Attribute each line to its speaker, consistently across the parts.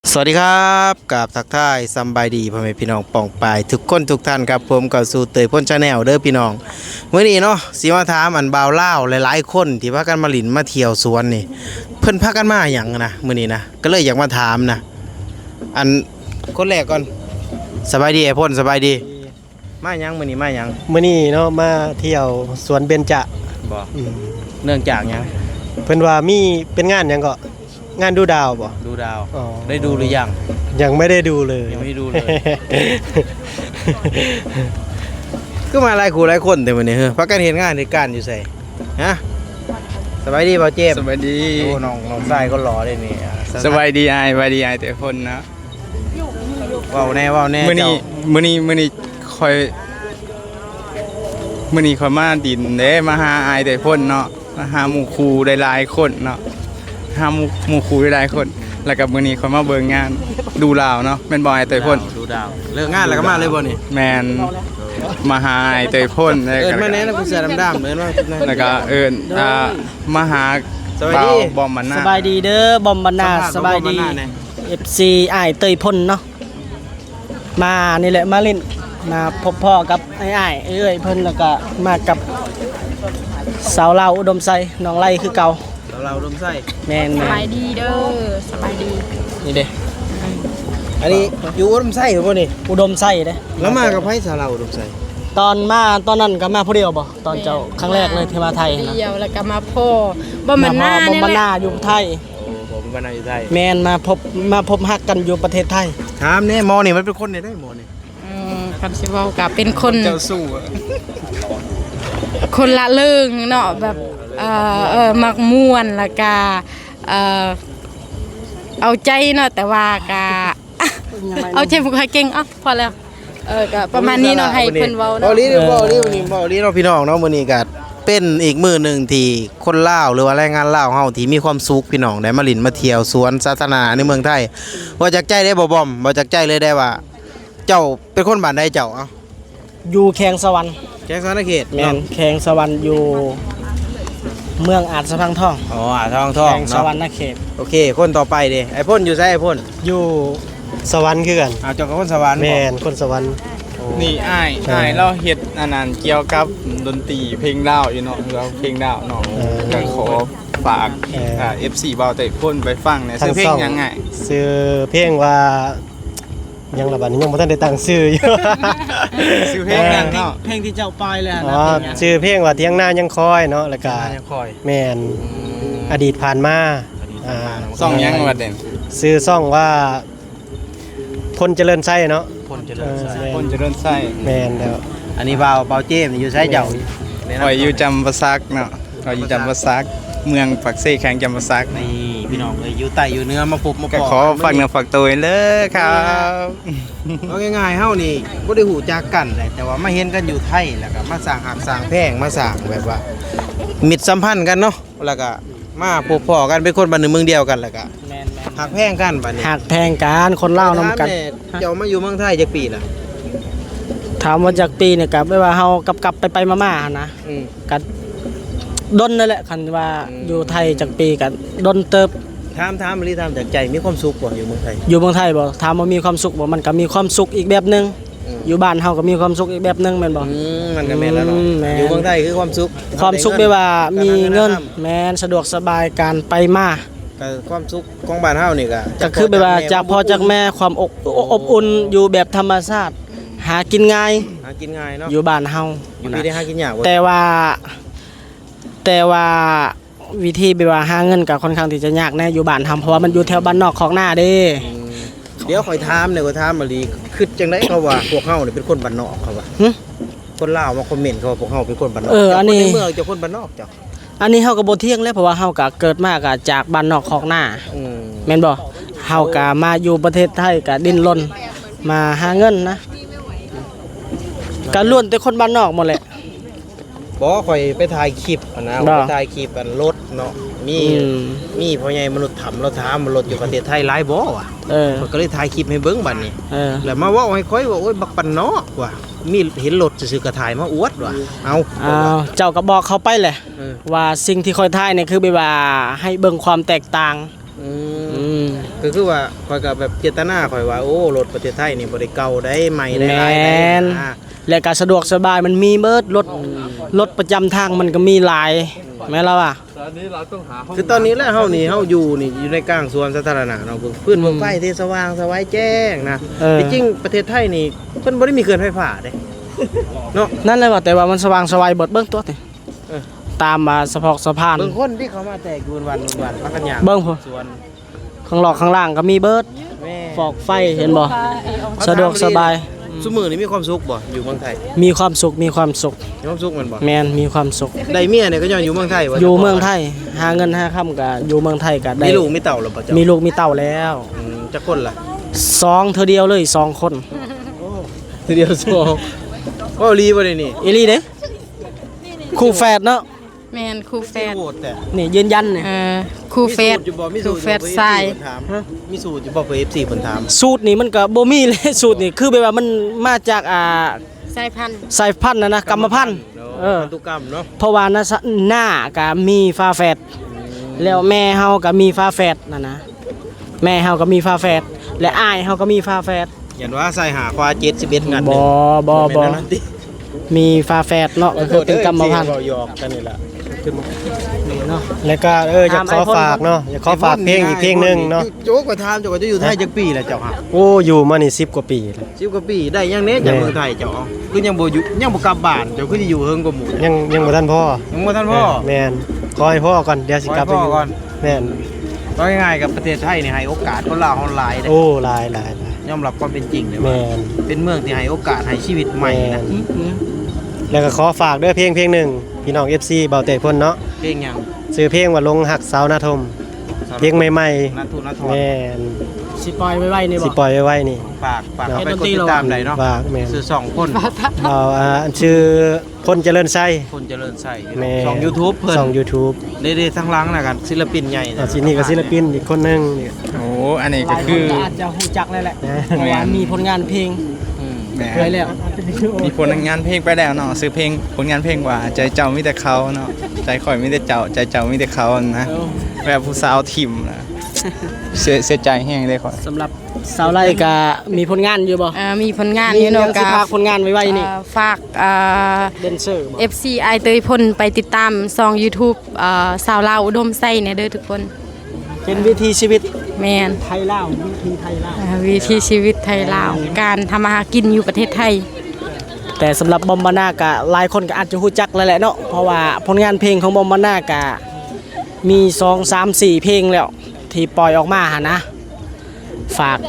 Speaker 1: สวัสดีครับกับทักทายสบายดีพ่อแม่พี่น้องป่องปายทุกคนทุกท่านครับผมกับสู่เตยพ่นชาแนลเด้อพี่น้องมื้อนี้เนาะสิมาถามอันบ่าวลาวหลายๆคนที่พากันมาหลินมาเที่ยวสวนนี่เพิ่นพากันมาหยังนะมื้อนี้นะก็เลยอยากมาถามนะอันคนแรกก่อนสบายดีไอ้พ่นสบายดีมาหยังมื้อนี้มาหยัง
Speaker 2: มื้อนี้เนาะมาเที่ยวสวนเบญจะ
Speaker 1: บ่เนื่องจากหยัง
Speaker 2: เพิ่นว่ามีเป็นงานหยังก็งานดูดาวบ่
Speaker 1: ดูดาว
Speaker 2: อ๋อ
Speaker 1: ได้ดูหรือยัง
Speaker 2: ยังไม่ได้ดูเลย
Speaker 1: ยังไม่ดูเลย ก็มาหลายคู่หลายคนแต่มื้อนี้เฮ้อพากันเฮ็ดงานเหตุการณ์อยู่ไสฮะสบายดีบ่าวเจมส์
Speaker 3: สวัสดี
Speaker 1: โอ้น้องชายก็รอได้นี่
Speaker 3: สวัสดีไอ้สวัสดีไอ้แต่คนนะ
Speaker 1: เว้าแน่
Speaker 3: มื้อนี้
Speaker 1: เจ้า
Speaker 3: มื้อนี้คอยมื้อนี้คอยมาดินเด้มาหาไอ้แต่คนเนาะมาหาหมู่ครูหลายๆคนเนาะหาหมู่ครูหลายๆคน แล้วก็มื้อนี้คอยมาเบิ่งงานดูลาวเนาะแม่นบ่ไอ้แต่คน
Speaker 1: ดูดาวเลิกงานแล้วก็มาเลยบ่นี่
Speaker 3: แม่นมาหาไอ้แต่คนแล้ว
Speaker 1: เอิ้น
Speaker 3: ก็
Speaker 1: มาแน่นะผู้เสื้อดำๆเอิ้นว่า
Speaker 3: แล้วก็เอิ้นมาหา
Speaker 1: สวัสดี
Speaker 3: บอมมันหน้า
Speaker 2: สบายดีเด้อบอมบรรณาสบายดี FC อ้ายเตยพ่นเนาะมานี่แหละมาเล่นมาพบพ่อกับอ้ายเอ้ยเพิ่นแล้วก็มากับสาวลาวอุดมไซน้องไล่คือเก่า
Speaker 1: เราลมไส้
Speaker 2: แม่น
Speaker 4: สบายดีเด้อสบายดี
Speaker 2: นี่เด้
Speaker 1: อันนี้อยู่ลมไส้เหรอบ่นี่
Speaker 2: อุดมไซเด้
Speaker 1: แล้วมากับไผสาเราลมไส้
Speaker 2: ตอนนั้นก็มาผู้เดียวบ่ตอนเจ้าครั้งแรกเลยที่มาไทยนะ
Speaker 4: เดียวแล้วก็มาพ่อบ่มันหน้า
Speaker 2: บอม
Speaker 4: เนี่ย
Speaker 2: บรร
Speaker 4: แห
Speaker 2: ณา
Speaker 4: ละ
Speaker 2: อยู่ไทย
Speaker 1: ผมบ้านนาอยู่ไทย
Speaker 2: แมนมาพบฮักกันอยู่ประเทศไทย
Speaker 1: ถามแน่หมอนี่มันเป็นคนได้หมอนี่
Speaker 4: คำสิเว้ากับเป็นคน
Speaker 3: เจ้าสู้อะ
Speaker 4: คนละเรื่องเนาะแบบมักม่วนแล้วก็เอาใจเนาะแต่ว่าก็เอาใจบ่ค่อยเก่งพอแล้วก็ประมาณนี้เนาะให้เพิ่นเว้า
Speaker 1: บ่
Speaker 4: เนาะ
Speaker 1: ลีบ่ลีวันนี้บ่ลีเนาะพี่น้องเนาะมื้อนี้ก็เป็นอีกมื้อหนึงที่คนลาวหรือว่าแรงงานลาวเฮาที่มีความสุขพี่น้องได้มาหลินมาเที่ยวสวนสาธารณะในเมืองไทยบ่จากใจได้บ่บอมบ่จากใจเลยได้ว่า เจ้าเป็นคนบ้านใดเจ้าเอ้า
Speaker 2: อยู่แขงสวรรค์
Speaker 1: แจ้งสารเขต
Speaker 2: แมนแขงสวรรค์อยู่เมืองอาจสะพังทอง
Speaker 1: อ๋อทอง
Speaker 2: แขงส
Speaker 1: เนาะ
Speaker 2: วรรค์นะเขต
Speaker 1: โอเค คนต่อไปเด้ไอ้พ่นอยู่ไสไอ้พ่น
Speaker 2: อยู่สวรรค์คือกัน
Speaker 1: อ้าวเจ้าก็คนสวรรค์
Speaker 2: แม
Speaker 1: บ่
Speaker 2: นคนสวรรค์
Speaker 3: นี่อ้ายเราเฮ็ดอันนั้นเกี่ยวกับดนตรีเพลงดาวอยู่เนาะเราเพลงดาวเนาะก็ขอฝากFC เบาแต่พ่นไปฟังเนี่ยซื้อเพลงยังไง
Speaker 2: ชื่อเพลงว่ายังระบาดนี้ยังบ่ทันได้ตั้งชื่ออยู่
Speaker 3: ซื้อเพลงยังเนาะ
Speaker 2: เพลงที่เจ้าปล่อยเลย
Speaker 3: นะ
Speaker 2: อ๋อชื่อเพลงว่าเที่ยงหน้ายังคอยเนาะแล้วก็
Speaker 1: ยังคอย
Speaker 2: แมนอดีตผ่านมาอ่า
Speaker 3: ซ่องยังว่าเด่น
Speaker 2: ชื่อซ่องว่าพลเจริญไส้เนาะ
Speaker 1: พ่นเจริญไส้
Speaker 3: คนจะเริ่มใส่
Speaker 2: แมนแล้ว
Speaker 1: อันนี้เบาเจมส์นี่อยู่ไสเจ้า
Speaker 3: คอยอยู่จำปาสักเนาะคอยอยู่จำปาสักเมืองปักเซ่แข่งจำปาสัก
Speaker 1: นี่พี่น้องเลยอยู่ใต้อยู่เหนื้อมาพบมา
Speaker 3: ก็
Speaker 1: ปะ
Speaker 3: ขอฝากเนื้อฝากตัวเลยครับ
Speaker 1: เอาง่ายๆเฮานี่บ่ได้หูจักกันแต่ว่ามาเห็นกันอยู่ไทยแล้วก็มาสร้างหักสร้างแพงมาสร้างแบบว่ามิตรสัมพันธ์กันเนาะแล้วก็มาพบพ้อกันเป็นคนบ้านหนึ่งเมืองเดียวกันแล้วก็
Speaker 2: แมน
Speaker 1: หักแพงกันบัดนี้
Speaker 2: หักแพงกันคนเล่าวนำกัน
Speaker 1: ถามแเจ้ามาอยู่เมืองไทยจักปีล่ะ
Speaker 2: ถามว่าจากปีเนี่ยกับไม่ว่าเฮากลับไปมาๆหั่นนะ
Speaker 1: อืม
Speaker 2: กันดนนั่นแหละคันว่า
Speaker 1: อืม
Speaker 2: อยู่ไทยจากปีกันดนเติบ
Speaker 1: ถามหรือถามจากใจมีความสุขบ่อยู่เมืองไทย
Speaker 2: อยู่เมืองไทยบ่ถามว่ามีความสุขบ่มันก็มีความสุขอีกแบบหนึง
Speaker 1: อืม
Speaker 2: อยู่บ้านเฮาก็มีความสุขอีกแบบหนึงแม่นบ่
Speaker 1: มันก็แม่นแล้วเนาะ
Speaker 2: แม่น
Speaker 1: อยู่เมืองไทยคือความสุข
Speaker 2: ความสุขแบบว่ามีเงิน
Speaker 1: การ
Speaker 2: แม่นสะดวกสบายการไปมา
Speaker 1: ก็ความสุขของบ้านเฮานี่ก็
Speaker 2: ก็คือแบบว่าจากพ่อจากแม่ความอบอุ่นอยู่แบบธรรมชาติหากินง่าย
Speaker 1: หากินง่ายเนาะ
Speaker 2: อยู่บ้านเฮา
Speaker 1: อยู่พี่ได้หากินยากบ่
Speaker 2: แต่ว่าวิธีแบบว่าหาเงินก็ค่อนข้างที่จะยากแน่อยู่บ้านทำเพราะว่ามันอยู่แถวบ้านนอกของหน้าเด้
Speaker 1: อืมเดี๋ยวข่อยถามเนี่ยข่อยถามมาลีคือจังได๋เขาว่าพวกเฮานี่เป็นคนบ้านนอกเขาว่า
Speaker 2: หึ
Speaker 1: คนลาวมาคอมเมนต์เขาว่าพวกเฮาเป็นคนบ้านนอก
Speaker 2: อันนี้
Speaker 1: เจ้าคในเมืองเจ้าคนบ้านนอกเจ้า
Speaker 2: อันนี้เฮาก็บ่เที่ยงแล้วเพราะว่าเฮาก็เกิดมาก็จากบ้านนอกของหน้า
Speaker 1: อืม
Speaker 2: แม่นบ่เฮาก็มาอยู่ประเทศไทยก็ดิ้นรนมาหาเงินนะก็ล้วนแต่คนบ้านนอกหมดแหละ
Speaker 1: บ่ข่อยไปถ่ายคลิปอะนะ
Speaker 2: บ่
Speaker 1: ไปถ่ายคลิปอันรถเนาะมี
Speaker 2: อืม
Speaker 1: มีพ่อใหญ่มนุษย์ถามเราถามว่ารถอยู่ประเทศไทยหลายบ่วะ
Speaker 2: เออ
Speaker 1: ข่อยก็เลยถ่ายคลิปให้เบิ่งบัดนี้
Speaker 2: เออ
Speaker 1: แล้วมาเว้าให้ข่อยว่าโอ้ยบักปันนอกว่ะมีเห็นรถซื่อๆก็ถ่ายมาอวดว่ะเอา
Speaker 2: อ้าวเจ้าก็บอกเขาไปแหละ
Speaker 1: เออ
Speaker 2: ว่าสิ่งที่ค่อยทายเนี่ยคือแบบว่าให้เบิ่งความแตกต่าง
Speaker 1: อื
Speaker 2: อื
Speaker 1: ม
Speaker 2: ม
Speaker 1: ก็คือว่าข่อยก็แบบเจตนาข่อยว่าโอ้รถประเทศไทยนี่บ่ได้เก่าได้ใหม่ได้
Speaker 2: แม
Speaker 1: หลายได้
Speaker 2: น
Speaker 1: อ่า
Speaker 2: และก็สะดวกสบายมันมีเบิดรถประจำทางมันก็มีหลายแม่นแล้วอ่ะ
Speaker 1: คือตอนนี้แล้วเฮาอยู่ในกลางสวนสาธารณะเนาะพื้นเมืองไฟที่สว่างสวายแจ้งนะจริงๆประเทศไทยนี่เพิ่นบ่ได้มีเขื่อนไฟฟ้าเด้เนาะ
Speaker 2: นั่นเลยว่าแต่ว่ามันสว่างสวายเบิดเบิ่งตัวนี่
Speaker 1: เออ
Speaker 2: ตามมาสะพอกสะพาน
Speaker 1: บางคนที่เขามาแตกอยู่วันพักกันอย่าง
Speaker 2: เบิ่งพุ่น
Speaker 1: สวน
Speaker 2: ข้างหลอกข้างล่างก็มีเบิด
Speaker 1: แม่
Speaker 2: ฟอกไฟเห็นบ่สะดวกสบาย
Speaker 1: ซุมื้อนี้มีความสุขบ่อยู่เมืองไทย
Speaker 2: มีความสุขมีความสุข
Speaker 1: มีความสุขแม่นบ่
Speaker 2: แมนมีความสุข
Speaker 1: ได้เมียเนี่ยก็ย้อนอยู่เมืองไทยว่า
Speaker 2: อยู่เมืองไทยหาเงินหาค่ำก็อยู่เมืองไทยก็ได้
Speaker 1: มีลูกมีเต่าหรือเปล่าจ๊ะ
Speaker 2: มีลูกมีเต่าแล้ว
Speaker 1: จักคนล่ะ
Speaker 2: 2เธอเดียวเลย2คน
Speaker 1: ทีเดียวสองก็รีบ่ได้นี่
Speaker 2: อีหลีเด้คู่แฝดเนาะ
Speaker 4: แม่นครูแฟด
Speaker 1: โหดแต่
Speaker 2: นี่ยืนยันนี่
Speaker 4: ครูแฟด
Speaker 1: มี
Speaker 4: ค
Speaker 1: สู
Speaker 4: รู
Speaker 1: ตร
Speaker 4: แฟ
Speaker 1: อยู่บ่
Speaker 4: ดทราย
Speaker 1: มีสูตรอยู่บ่เพื่อ FC เพิ่นถาม
Speaker 2: สูตรนี่มันก็บ่มีเลย สูตรนี่คือแบบว่ามันมาจาก
Speaker 4: สายพันธุ์
Speaker 2: สายพันธุ์นะกรรมพันธุ์
Speaker 1: พันธุกรรมเนาะ
Speaker 2: เพราะว่านะหน้าก็มีฟ้าแฝดแล้วแม่เฮาก็มีฟ้าแฝดนะแม่เฮาก็มีฟ้าแฝดและอ้ายเฮาก็มีฟ้าแฝด
Speaker 1: อย่างว่าใส่หาควา71งัด
Speaker 2: บ่
Speaker 1: แม่นนั่นติ
Speaker 2: มีฟ้าแฝดเนาะก็คือเป็นกรรมพันธุ์
Speaker 1: หยอกกันนี่ล่ะขึ้นมา
Speaker 2: นี่เนาะ
Speaker 5: แล้วก็อยากขอฝากเนาะอยากขอฝากเพลงอีกเพลงหนึงเนาะ
Speaker 1: โจ๊กก็ถามเจ้าก็จะอยู่ไทยจักปีแล้วเจ้าฮะ
Speaker 5: โอ้อยู่มานี่10 กว่าปีแล้ว
Speaker 1: 10กว่าปีได้ยังเน็จากเมืองไทยเจ้าคือยังบ่อยู่ยังบ่กลับบ้านเจ้าคือสิอยู่เฮิงกว่าหมู่
Speaker 5: ยังบ่ทันพ่อ
Speaker 1: ยังบ่ทันพ่อ
Speaker 5: แม่นขอให้พ่อก่อนเดี๋ยวสิกลับไป
Speaker 1: ขอให้พ่อก่อน
Speaker 5: แม่น
Speaker 1: ก็ง่ายๆกับประเทศไทยนี่ให้โอกาสคนลาวเฮาหลายเด้
Speaker 5: โอ้หลาย
Speaker 1: ยอมรับความเป็นจริงเลยว่า
Speaker 5: แม่น
Speaker 1: เป็นเมืองที่ให้โอกาสให้ชีวิตใหม่นะ
Speaker 5: แล้วก็ขอฝากด้วยเพลงหนึงพี่น้อง FC เบาเตะพ่นเนาะ
Speaker 1: เพลงหยัง
Speaker 5: ชื่อเพลงว่าลงหักสาวนาทมเพลงใหม่
Speaker 1: นัททุนนัทท
Speaker 5: ๆ
Speaker 1: อน
Speaker 5: แม่น
Speaker 2: สิปล่อยไว้นี่บ่
Speaker 5: สิปล่อยไว้ๆนี่
Speaker 1: ฝาก
Speaker 5: เนาะ
Speaker 1: เอาไปกดติดตามได้เนาะ
Speaker 5: ฝากแม่น
Speaker 1: สื่อ2คน
Speaker 5: เอาชื่อพ่นเจริญไส้
Speaker 1: คนเจริญใส่
Speaker 5: แม่
Speaker 1: ช่อง YouTube เพิ่น
Speaker 5: ช่อง YouTube
Speaker 1: ได้ๆทั้งหลังน่ะกันศิลปินใหญ่
Speaker 5: สินี่ก็ศิลปินอีกคนหนึงนี่
Speaker 3: โอ้อันนี้
Speaker 2: ห
Speaker 3: ก็
Speaker 2: ลายค
Speaker 3: คื
Speaker 2: น
Speaker 3: อ
Speaker 2: ก็อาจจะฮู้จักแล้วแหละ
Speaker 5: นะ
Speaker 2: เพราะว่ามีผลงานเพลง
Speaker 3: แหม
Speaker 2: ไว้แล้ว
Speaker 3: มีผลงานเพลงไปแล้วเนาะซื้อเพลงผลงานเพลงว่าใจเจ้ามีแต่เขาเนาะใจข่อยมีแต่เจ้าใจเจ้ามีแต่เขานะแบบผู้สาวทิมนะเสียใจแห้งเลยข่อย
Speaker 2: สำหรับสาวไร่ก็มีผลงานอยู่บ่
Speaker 4: มีผลงาน
Speaker 2: มี
Speaker 4: อยู่
Speaker 2: เนาะ
Speaker 4: เนาะ
Speaker 2: สิ
Speaker 4: กะ
Speaker 2: พากผลงานไว้นี่
Speaker 4: ฝาก
Speaker 2: เดนเซอร์บ่
Speaker 4: FC ไอเตยพลไปติดตามซอง YouTube สาวลาวอุดมไส้เนี่ยเด้อทุกคน
Speaker 2: เป็นวิถีชีวิต
Speaker 4: แมน
Speaker 2: ไทยลาววิถีไทยลาว
Speaker 4: วิถีชีวิตไทยลาว การทำมาหากินอยู่ประเทศไทย
Speaker 2: แต่สำหรับบอมบาน่าก็หลายคนก็อาจจะรู้จักแล้วแหละเนาะเพราะว่าผลงานเพลงของบอมบาน่าก็มี2 3 4เพลงแล้วที่ปล่อยออกมาหะนะฝาก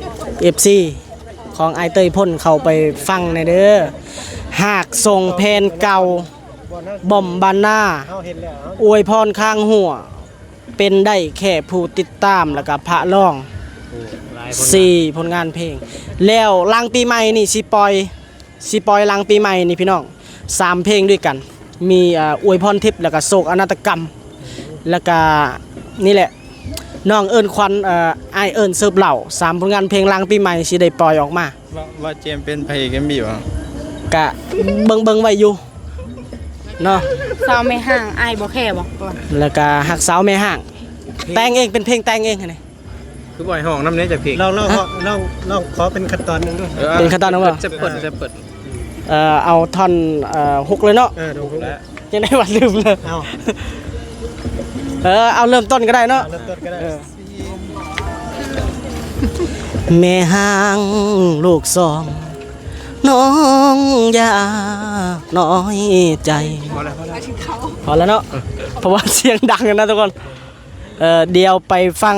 Speaker 2: FC ของไอเตยพ่นเข้าไปฟังในอยเด้อหากส่งเพลงเก่าบอมบาน่า
Speaker 5: เฮาเห็นแล้ว
Speaker 2: อวยพรข้างหัว เป็นได้แค่ผู้ติดตามแล้วก็พระร้อง4ผลงานเพลง แล้วหลังปีใหม่นี่สิปล่อยหลังปีใหม่นี่พี่น้อง3เพลงด้วยกัน มีอวยพรทิพย์แล้วก็โศกอนาตกรรม แล้วก็นี่แหละน้องเอิญควันไอายเอิญเสิร์ฟเหล่า3ผลงานเพลงหลังปีใหม่สิได้ปล่อยออกมา
Speaker 3: ว่าเจมส์เป็นพระเอกเอ็มบีวะ
Speaker 2: กะเบิ่งไว้อยู่เนาะ
Speaker 4: สาวไม่ห่างไอายบ่แค่บ่
Speaker 2: แล้วก็หักสาวแม่ห่าง แต่งเองเป็นเพลงแต่งเองนี่
Speaker 1: คือบ่อยห้องน้ำเนี้จากเพลง
Speaker 5: ลองขอเป็นขั้นตอนหนึงด้วย
Speaker 2: เป็นขั้นตอนนะว่า
Speaker 1: จะเปิด
Speaker 2: เอาท่อนฮุกเลยเนาะ
Speaker 5: ดูแล้ว
Speaker 2: ยังได้ว่าลืมเลย
Speaker 5: เอา
Speaker 2: เอาเริ่มต้นก็ได้เนาะ
Speaker 5: เริ่มต้นก็ได้
Speaker 2: แม่ห่างลูกสองน้องอย่าน้อยใจพอแล้วเนาะเพราะว่าเสียงดังกันนะทุกคนเดี๋ยวไปฟัง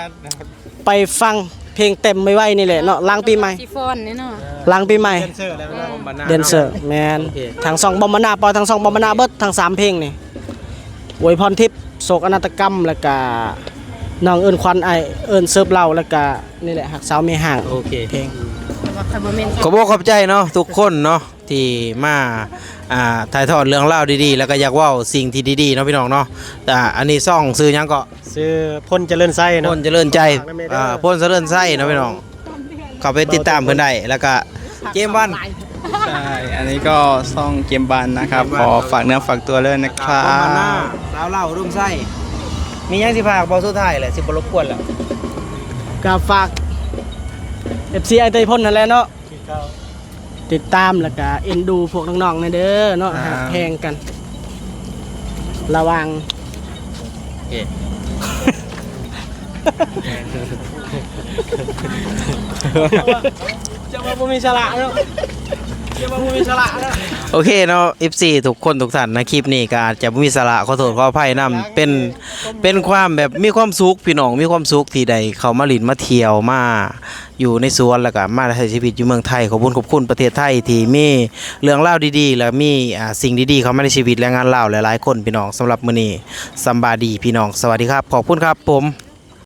Speaker 2: เพลงเต็มไม่ไหวนี่แหละเนาะหล้างปีใหม่
Speaker 4: ซิฟอนนี่เนาะ
Speaker 2: หล้างปีใหม่
Speaker 5: เซนเซอร์แล้วนะ
Speaker 2: เดนเซอร์แมนทาง2บอมบานาปล่อยทาง2บอมบานาเบิดทาง3เพลงนี่อวยพรทิพย์โศกอนาตกรรมแล้วก็น้องเอิญควันไอเอิญเสิร์ฟเหล่าแล้วก็นี่แหละหักสาวไม่ห่าง
Speaker 1: โอเค
Speaker 2: เพลง
Speaker 1: ขอบคุณขอบใจเนาะทุกคนเนาะที่มาถ่ายทอดเรื่องเล่าวดีๆ แล้วก็อยากเว่าสิ่งที่ดีๆเนาะพี่น้องเนาะแต่อันนี้ซ่องซื้อหยังก็
Speaker 5: ชื่อพ่นเจริญไส้เนาะ
Speaker 1: พ่นเจริญใจพ่นเจริญไส้เนาะพี่น้องเข้าไปติดตามเพิ่นได้แล้วก็เกมวัน
Speaker 3: ใช่อันนี้ก็ซ่องเกมบันนะครับขอฝากเนื้อฝากตัวเลยนะครั
Speaker 1: พ่นมาหน้า
Speaker 3: บ
Speaker 1: สาวเล่ารุ่มไส้มีหยังสิพากบอกสุดท้ายแหละสิบ่รบกวนแล้ว
Speaker 2: ก็ฝาก FC ไอเตยพ่นนั่นแหละเนาะติดตามแล้วก็เอ็นดูพวกน้องๆในเด้อเนาะหักแพงกัน ระวังจะมาบ่มีสละเนาะจะมาบ่มีสละเนาะ
Speaker 1: โอเคเนาะ FC ทุกคนทุกท่านนะคลิปนี้ก็อาจจะบ่มีสาระขอโทษขออภัยนํเป็นความแบบมีความสุขพี่น้องมีความสุขที่ได้เข้ามาหลินมาเที่ยวมาอยู่ในสวนแล้วก็มาใช้ชีวิตอยู่เมืองไทยขอบคุณประเทศไทยที่มีเรื่องเล่าวดีๆแล้วมีสิ่งดีๆเข้ามาในชีวิตแรงงานลาวหลายๆคนพี่น้องสำหรับมื้อนี้สำบายดีพี่น้องสวัสดีครับขอบคุณครับผม